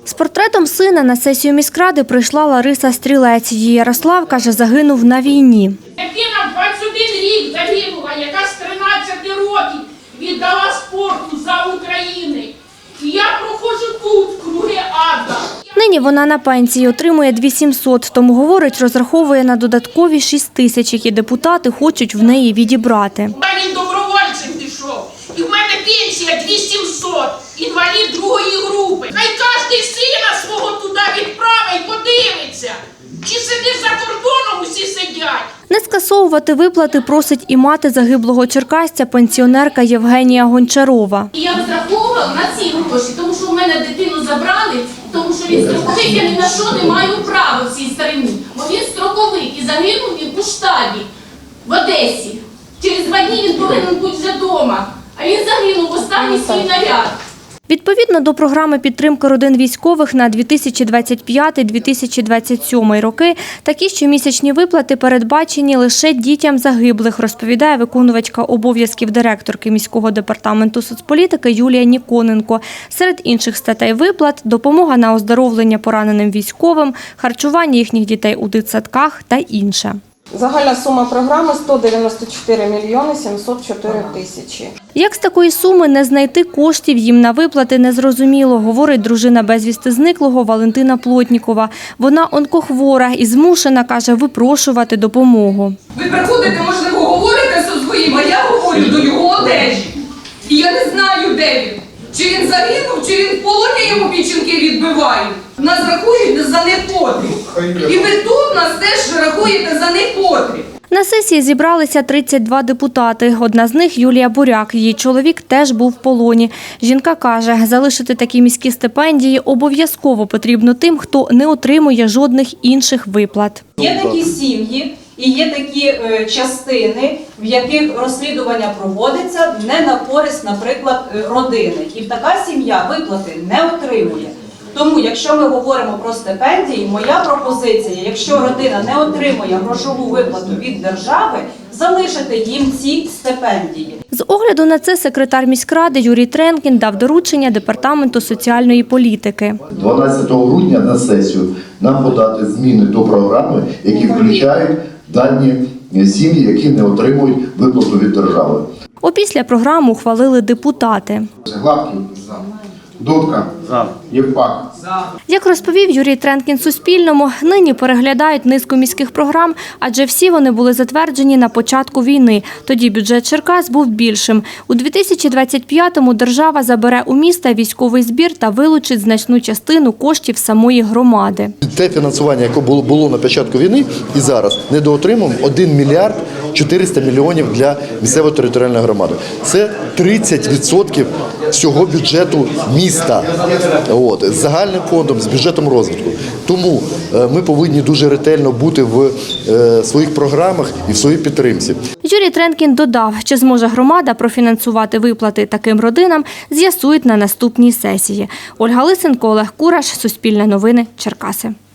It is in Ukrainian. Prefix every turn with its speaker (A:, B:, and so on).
A: З портретом сина на сесію міськради прийшла Лариса Стрілець. Її Ярослав, каже, загинув на війні.
B: Дитина 21 рік загинула, яка з 13 років віддала спорту за Україну. І я проходжу тут, круги ада.
A: Нині вона на пенсії, отримує 2700, тому, говорить, розраховує на додаткові 6000, які депутати хочуть в неї відібрати.
B: Він добровольцем пішов. І в мене пенсія 2700, інвалід другої групи. Хай кожен сина свого туди відправить, подивиться. Чи сидить за кордоном, усі сидять.
A: Не скасовувати виплати просить і мати загиблого черкасця, пенсіонерка Євгенія Гончарова.
C: І я розраховувала на ці гроші, тому що в мене дитину забрали, тому що він строковик, я ні на що не маю права в цій стороні. Бо він строковик і загинув він у штабі в Одесі. Через 2 дні він повинен бути вже вдома, а він загинув в останній свій наряд.
A: Відповідно до програми підтримки родин військових на 2025-2027 роки, такі щомісячні виплати передбачені лише дітям загиблих, розповідає виконувачка обов'язків директорки міського департаменту соцполітики Юлія Ніконенко. Серед інших статей виплат – допомога на оздоровлення пораненим військовим, харчування їхніх дітей у дитсадках та інше.
D: Загальна сума програми – 194 мільйони 704 тисячі.
A: Як з такої суми не знайти коштів їм на виплати, незрозуміло, говорить дружина безвісти зниклого Валентина Плотнікова. Вона онкохвора і змушена, каже, випрошувати допомогу.
E: Ви приходите, можливо, говорите зі своїм, а я говорю до його одежі. І я не знаю, де він. Чи він загинув, чи він в полоні, йому печінки відбивають. Нас рахують за непотріб. І ви тут нас теж рахуєте за непотріб.
A: На сесії зібралися 32 депутати. Одна з них – Юлія Буряк. Її чоловік теж був в полоні. Жінка каже, залишити такі міські стипендії обов'язково потрібно тим, хто не отримує жодних інших виплат.
F: Є такі сім'ї і є такі частини, в яких розслідування проводиться не на користь, наприклад, родини. І така сім'я виплати не отримує. Тому, якщо ми говоримо про стипендії, моя пропозиція, якщо родина не отримує грошову виплату від держави, залишити їм ці стипендії.
A: З огляду на це секретар міськради Юрій Тренкін дав доручення Департаменту соціальної політики.
G: 12 грудня на сесію нам подати зміни до програми, які включають дані сім'ї, які не отримують виплату від держави.
A: Опісля програму ухвалили депутати.
G: Гладкий. Дудка. Євпак.
A: Як розповів Юрій Тренкін Суспільному, нині переглядають низку міських програм, адже всі вони були затверджені на початку війни. Тоді бюджет Черкас був більшим. У 2025-му держава забере у міста військовий збір та вилучить значну частину коштів самої громади.
H: Те фінансування, яке було на початку війни і зараз, недоотримуємо 1 мільярд 400 мільйонів для місцевої територіальної громади. Це 30% всього бюджету міста. З загальним фондом, з бюджетом розвитку. Тому ми повинні дуже ретельно бути в своїх програмах і в своїй підтримці.
A: Юрій Тренкін додав, чи зможе громада профінансувати виплати таким родинам, з'ясують на наступній сесії. Ольга Лисенко, Олег Кураш, Суспільне новини, Черкаси.